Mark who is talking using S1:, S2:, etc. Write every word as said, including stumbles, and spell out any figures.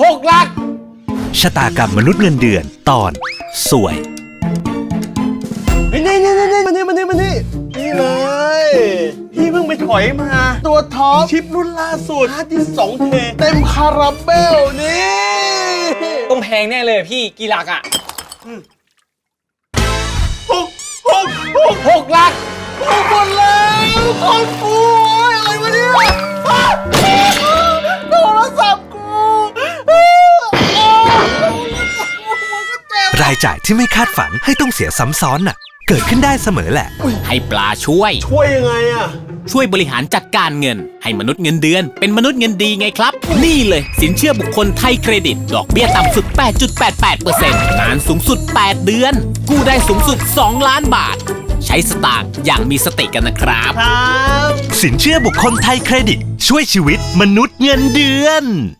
S1: กหลัก
S2: ชะตากรรมมนุษย์เงินเดือนตอนสวย
S1: นี่นี่นี่นี่มานี่มานี่มานี่นี่เลยพี่เพิ่งไปถอยมาตัวท็อปชิปรุ่นล่าสุดฮาร์ดดิสก์ สองเท เต็มคาราเบลนี่
S3: ต้องแพงแน่เลยพี่กี่หลักอ่ะ
S1: หกหกหกหกหลักหกหมดแล้วคนฟูอะไรวะเนี่ยโทรศัพท์กู
S2: รายจ่ายที่ไม่คาดฝันให้ต้องเสียซ้ำซ้อนน่ะเกิดขึ้นได้เสมอแหละ
S4: ให้ปลาช่วย
S1: ช่วยยังไงอะ
S4: ช่วยบริหารจัดการเงินให้มนุษย์เงินเดือนเป็นมนุษย์เงินดีไงครับนี่เลยสินเชื่อบุคคลไทยเครดิตดอกเบี้ยต่ำสุด แปดจุดแปดแปดเปอร์เซ็นต์ นานสูงสุดแปดเดือนกู้ได้สูงสุดสองล้านบาทใช้สตางค์อย่างมีสติกันนะครับ
S2: สินเชื่อบุคคลไทยเครดิตช่วยชีวิตมนุษย์เงินเดือน